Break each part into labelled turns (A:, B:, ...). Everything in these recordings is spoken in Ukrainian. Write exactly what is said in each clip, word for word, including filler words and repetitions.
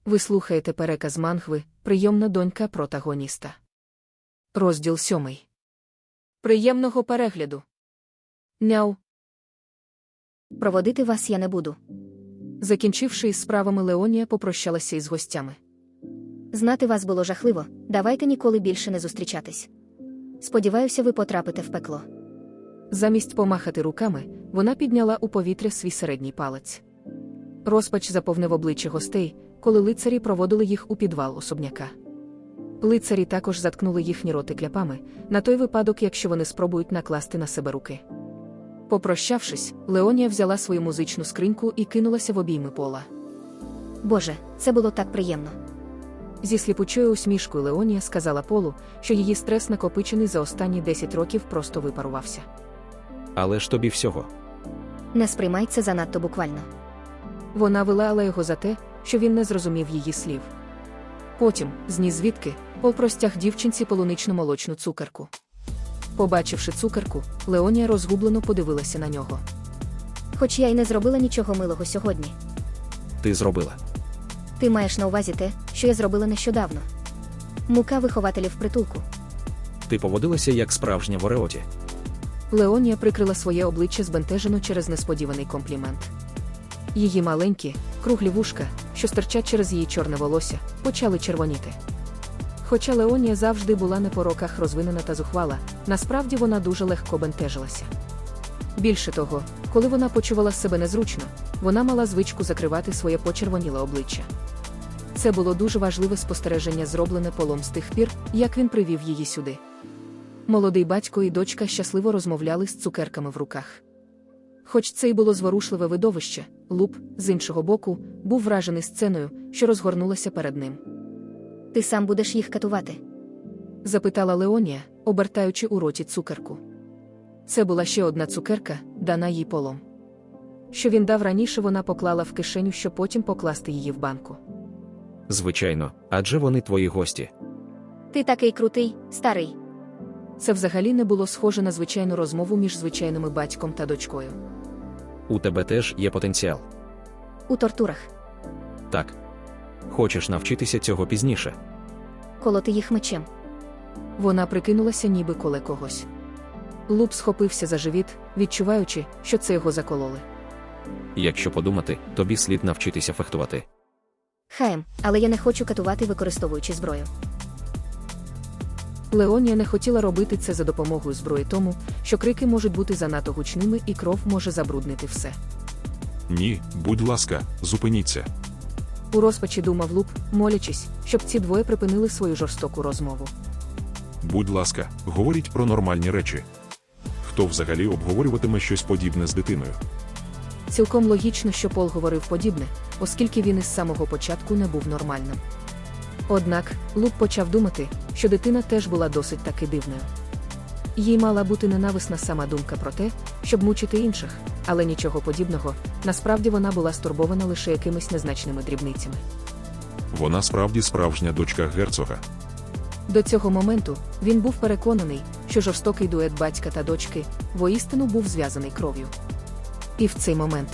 A: Ви слухаєте переказ мангви «Прийомна донька протагоніста». Розділ сьомий. Приємного перегляду. Няу.
B: Проводити вас я не буду.
A: Закінчивши із справами, Леонія попрощалася із гостями.
B: Знати вас було жахливо, давайте ніколи більше не зустрічатись. Сподіваюся, ви потрапите в пекло.
A: Замість помахати руками, вона підняла у повітря свій середній палець. Розпач заповнив обличчя гостей, коли лицарі проводили їх у підвал особняка. Лицарі також заткнули їхні роти кляпами, на той випадок, якщо вони спробують накласти на себе руки. Попрощавшись, Леонія взяла свою музичну скриньку і кинулася в обійми Пола.
B: Боже, це було так приємно.
A: Зі сліпучою усмішкою Леонія сказала Полу, що її стрес, накопичений за останні десять років, просто випарувався.
C: Але ж тобі всього.
B: Не сприймай це занадто буквально.
A: Вона вилаяла його за те, що він не зрозумів її слів. Потім, зні звідки, Пол простяг дівчинці полунично-молочну цукерку. Побачивши цукерку, Леонія розгублено подивилася на нього.
B: Хоч я й не зробила нічого милого сьогодні.
C: Ти зробила.
B: Ти маєш на увазі те, що я зробила нещодавно. Мука вихователів притулку.
C: Ти поводилася як справжня в Ореоті.
A: Леонія прикрила своє обличчя збентежено через несподіваний комплімент. Її маленькі, круглі вушка, що стирчать через її чорне волосся, почали червоніти. Хоча Леонія завжди була не по роках розвинена та зухвала, насправді вона дуже легко бентежилася. Більше того, коли вона почувала себе незручно, вона мала звичку закривати своє почервоніле обличчя. Це було дуже важливе спостереження, зроблене Полом з тих пір, як він привів її сюди. Молодий батько і дочка щасливо розмовляли з цукерками в руках. Хоч це й було зворушливе видовище, Луп, з іншого боку, був вражений сценою, що розгорнулася перед ним.
B: Ти сам будеш їх катувати?
A: Запитала Леонія, обертаючи у роті цукерку. Це була ще одна цукерка, дана їй Полом. Що він дав раніше, вона поклала в кишеню, щоб потім покласти її в банку.
C: Звичайно, адже вони твої гості.
B: Ти такий крутий, старий.
A: Це взагалі не було схоже на звичайну розмову між звичайними батьком та дочкою.
C: У тебе теж є потенціал.
B: У тортурах.
C: Так. Хочеш навчитися цього пізніше?
B: Колоти їх мечем.
A: Вона прикинулася, ніби коле когось. Луп схопився за живіт, відчуваючи, що це його закололи.
C: Якщо подумати, тобі слід навчитися фехтувати.
B: Хаєм, але я не хочу катувати, використовуючи зброю.
A: Леонія не хотіла робити це за допомогою зброї, тому, що крики можуть бути занадто гучними і кров може забруднити все.
D: Ні, будь ласка, зупиніться.
A: У розпачі думав Луп, молячись, щоб ці двоє припинили свою жорстоку розмову.
D: Будь ласка, говоріть про нормальні речі. Хто взагалі обговорюватиме щось подібне з дитиною?
A: Цілком логічно, що Пол говорив подібне, оскільки він із самого початку не був нормальним. Однак, Луп почав думати, що дитина теж була досить таки дивною. Їй мала бути ненависна сама думка про те, щоб мучити інших, але нічого подібного, насправді вона була стурбована лише якимись незначними дрібницями.
D: Вона справді справжня дочка герцога.
A: До цього моменту він був переконаний, що жорстокий дует батька та дочки воістину був зв'язаний кров'ю. І в цей момент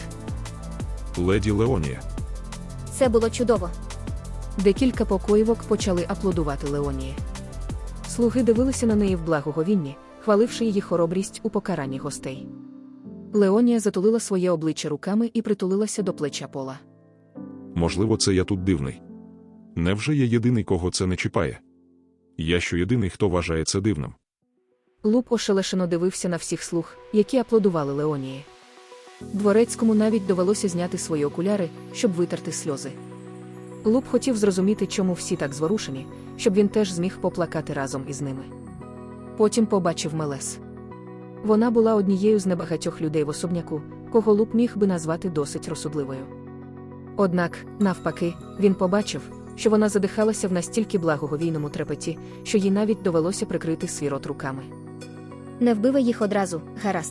D: Леді Леонія.
B: Це було чудово.
A: декілька покоївок почали аплодувати Леонії. Слуги дивилися на неї в благоговінні, хваливши її хоробрість у покаранні гостей. Леонія затулила своє обличчя руками і притулилася до плеча Пола.
D: Можливо, це я тут дивний. Невже я єдиний, кого це не чіпає? Я що єдиний, хто вважає це дивним?
A: Луп ошелешено дивився на всіх слуг, які аплодували Леонії. Дворецькому навіть довелося зняти свої окуляри, щоб витерти сльози. Луп хотів зрозуміти, чому всі так зворушені, щоб він теж зміг поплакати разом із ними. Потім побачив Мелес. Вона була однією з небагатьох людей в особняку, кого Луп міг би назвати досить розсудливою. Однак, навпаки, він побачив, що вона задихалася в настільки благоговійному трепеті, що їй навіть довелося прикрити свій рот руками.
B: Не вбивай їх одразу, гаразд.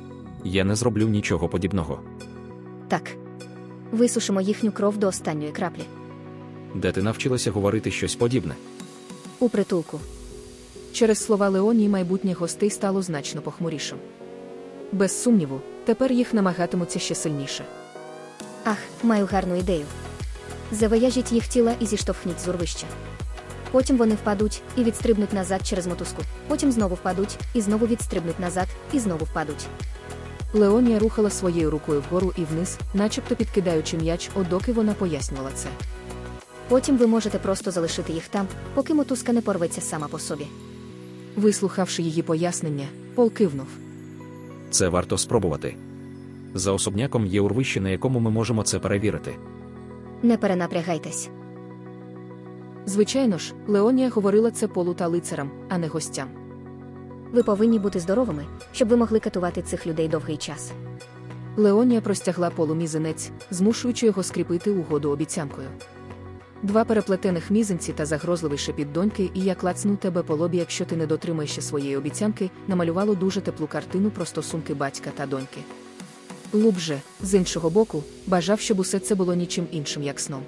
C: Я не зроблю нічого подібного.
B: Так. Висушимо їхню кров до останньої краплі.
C: Де ти навчилася говорити щось подібне?
B: У притулку.
A: Через слова Леонії майбутнє гостей стало значно похмурішим. Без сумніву, тепер їх намагатимуться ще сильніше.
B: Ах, маю гарну ідею. Завияжіть їх тіла і зіштовхніть з урвища. Потім вони впадуть і відстрибнуть назад через мотузку. Потім знову впадуть, і знову відстрибнуть назад, і знову впадуть.
A: Леонія рухала своєю рукою вгору і вниз, начебто підкидаючи м'яч, одоки вона пояснювала це.
B: Потім ви можете просто залишити їх там, поки мотузка не порветься сама по собі.
A: Вислухавши її пояснення, Пол кивнув.
C: Це варто спробувати. За особняком є урвище, на якому ми можемо це перевірити.
B: Не перенапрягайтесь.
A: Звичайно ж, Леонія говорила це Полу та лицарам, а не гостям.
B: Ви повинні бути здоровими, щоб ви могли катувати цих людей довгий час.
A: Леонія простягла Полу мізинець, змушуючи його скріпити угоду обіцянкою. Два переплетених мізинці та загрозливий шепіт доньки і я клацну тебе по лобі, якщо ти не дотримаєшся своєї обіцянки, намалювало дуже теплу картину про стосунки батька та доньки. Луп же, з іншого боку, бажав, щоб усе це було нічим іншим, як сном.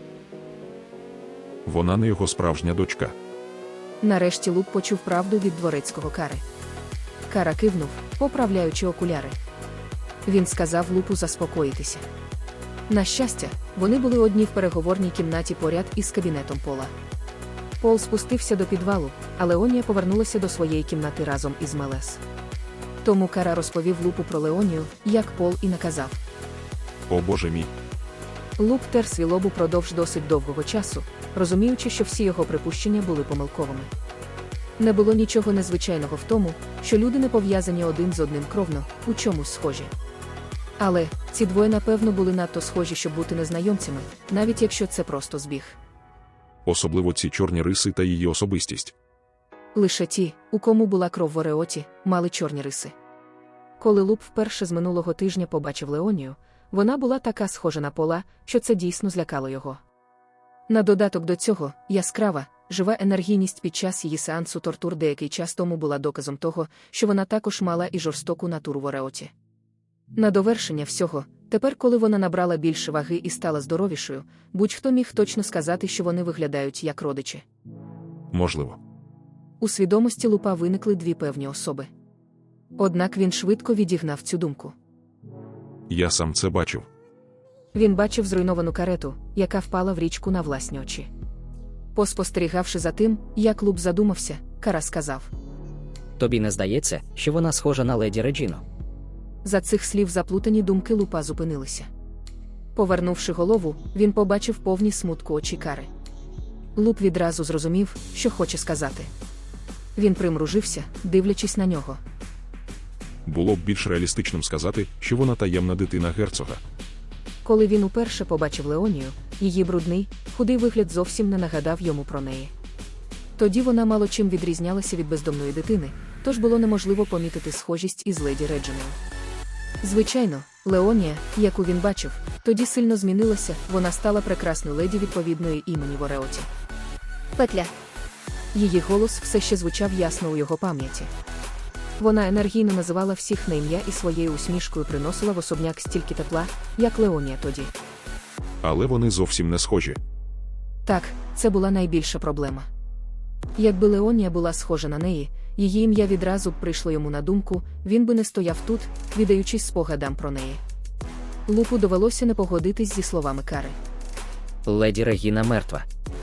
D: Вона не його справжня дочка.
A: Нарешті Луп почув правду від дворецького Кари. Кара кивнув, поправляючи окуляри. Він сказав Лупу заспокоїтися. На щастя, вони були одні в переговорній кімнаті поряд із кабінетом Пола. Пол спустився до підвалу, а Леонія повернулася до своєї кімнати разом із Мелес. Тому Кара розповів Лупу про Леонію, як Пол і наказав.
D: О боже мій.
A: Луп тер свій лоб упродовж досить довгого часу, розуміючи, що всі його припущення були помилковими. Не було нічого незвичайного в тому, що люди не пов'язані один з одним кровно, у чомусь схожі. Але ці двоє, напевно, були надто схожі, щоб бути незнайомцями, навіть якщо це просто збіг.
D: Особливо ці чорні риси та її особистість.
A: Лише ті, у кому була кров в Ореоті, мали чорні риси. Коли Луп вперше з минулого тижня побачив Леонію, вона була така схожа на Пола, що це дійсно злякало його. На додаток до цього, яскрава, жива енергійність під час її сеансу тортур деякий час тому була доказом того, що вона також мала і жорстоку натуру в Ореоті. На довершення всього, тепер, коли вона набрала більше ваги і стала здоровішою, будь-хто міг точно сказати, що вони виглядають як родичі.
D: Можливо.
A: У свідомості Лупа виникли дві певні особи. Однак він швидко відігнав цю думку.
D: Я сам це бачив.
A: Він бачив зруйновану карету, яка впала в річку на власні очі. Поспостерігавши за тим, як Луп задумався, Кара сказав.
E: Тобі не здається, що вона схожа на леді Реджіну?
A: За цих слів заплутані думки Лупа зупинилися. Повернувши голову, він побачив повні смутку очі Кари. Луп відразу зрозумів, що хоче сказати. Він примружився, дивлячись на нього.
D: Було б більш реалістичним сказати, що вона таємна дитина герцога.
A: Коли він уперше побачив Леонію, її брудний, худий вигляд зовсім не нагадав йому про неї. Тоді вона мало чим відрізнялася від бездомної дитини, тож було неможливо помітити схожість із леді Реджиною. Звичайно, Леонія, яку він бачив, тоді сильно змінилася, вона стала прекрасною леді відповідної імені в Ореоті.
B: Петля.
A: Її голос все ще звучав ясно у його пам'яті. Вона енергійно називала всіх на ім'я і своєю усмішкою приносила в особняк стільки тепла, як Леонія тоді.
D: Але вони зовсім не схожі.
A: Так, це була найбільша проблема. Якби Леонія була схожа на неї, її ім'я відразу б прийшло йому на думку, він би не стояв тут, віддаючись спогадам про неї. Лупу довелося не погодитись зі словами Кари.
E: Леді Регіна мертва.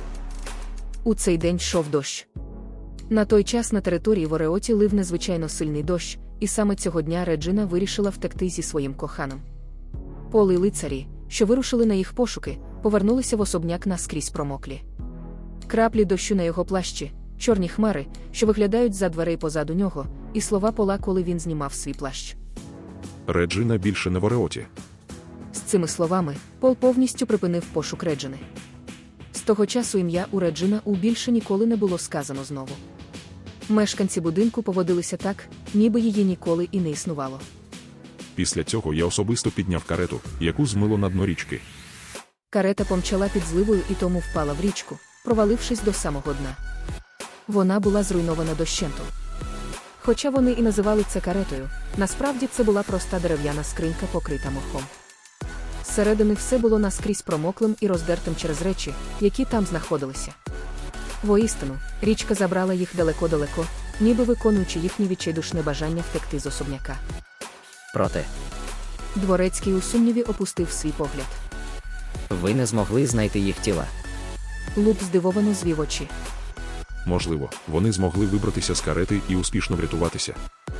A: У цей день йшов дощ. На той час на території в Ореоті лив незвичайно сильний дощ, і саме цього дня Реджина вирішила втекти зі своїм коханим. Пол і лицарі, що вирушили на їх пошуки, повернулися в особняк наскрізь промоклі. Краплі дощу на його плащі, чорні хмари, що виглядають за дверей позаду нього, і слова Пола, коли він знімав свій плащ.
D: Реджина більше не в Ореоті.
A: З цими словами, Пол повністю припинив пошук Реджини. З того часу ім'я у Реджина у більше ніколи не було сказано знову. Мешканці будинку поводилися так, ніби її ніколи і не існувало.
D: Після цього я особисто підняв карету, яку змило на дно річки.
A: Карета помчала під зливою і тому впала в річку, провалившись до самого дна. Вона була зруйнована дощенту. Хоча вони і називали це каретою, насправді це була проста дерев'яна скринька, покрита мохом. Зсередини все було наскрізь промоклим і роздертим через речі, які там знаходилися. Воістину, річка забрала їх далеко-далеко, ніби виконуючи їхнє відчайдушне бажання втекти з особняка.
E: Проте,
A: Дворецький у сумніві опустив свій погляд.
E: Ви не змогли знайти їх тіла.
A: Луп здивовано звів очі.
D: Можливо, вони змогли вибратися з карети і успішно врятуватися.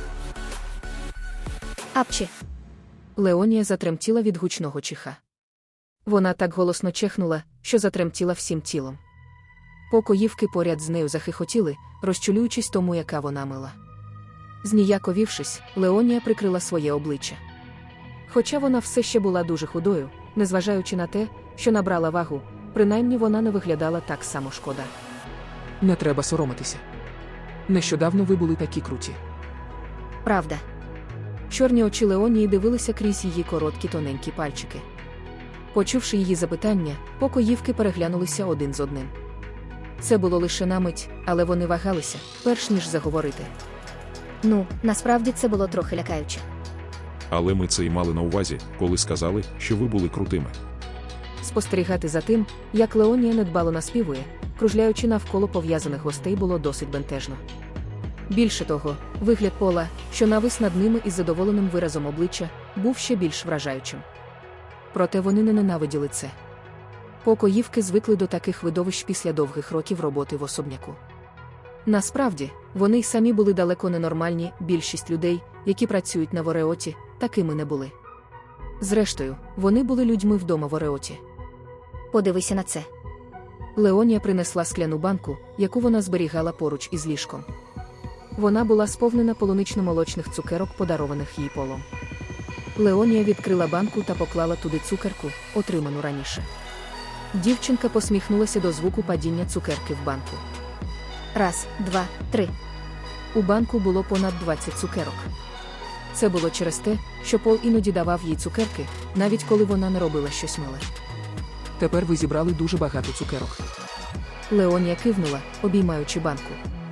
B: Апчі.
A: Леонія затремтіла від гучного чиха. Вона так голосно чехнула, що затремтіла всім тілом. Покоївки поряд з нею захихотіли, розчулюючись тому, яка вона мила. Зніяковівшись, Леонія прикрила своє обличчя. Хоча вона все ще була дуже худою, незважаючи на те, що набрала вагу, принаймні вона не виглядала так само шкода.
F: Не треба соромитися. Нещодавно ви були такі круті.
B: Правда.
A: Чорні очі Леонії дивилися крізь її короткі тоненькі пальчики. Почувши її запитання, покоївки переглянулися один з одним. Це було лише на мить, але вони вагалися, перш ніж заговорити.
B: Ну, насправді це було трохи лякаюче.
D: Але ми це й мали на увазі, коли сказали, що ви були крутими.
A: Спостерігати за тим, як Леонія недбало наспівує, кружляючи навколо пов'язаних гостей, було досить бентежно. Більше того, вигляд Пола, що навис над ними із задоволеним виразом обличчя, був ще більш вражаючим. Проте вони не ненавиділи це. Покоївки звикли до таких видовищ після довгих років роботи в особняку. Насправді, вони й самі були далеко ненормальні, більшість людей, які працюють на Вореоті, такими не були. Зрештою, вони були людьми вдома в Вореоті.
B: Подивися на це.
A: Леонія принесла скляну банку, яку вона зберігала поруч із ліжком. Вона була сповнена полунично-молочних цукерок, подарованих їй Полом. Леонія відкрила банку та поклала туди цукерку, отриману раніше. Дівчинка посміхнулася до звуку падіння цукерки в банку.
B: Раз, два, три.
A: У банку було понад двадцять цукерок. Це було через те, що Пол іноді давав їй цукерки, навіть коли вона не робила щось миле.
F: Тепер ви зібрали дуже багато цукерок.
A: Леонія кивнула, обіймаючи банку.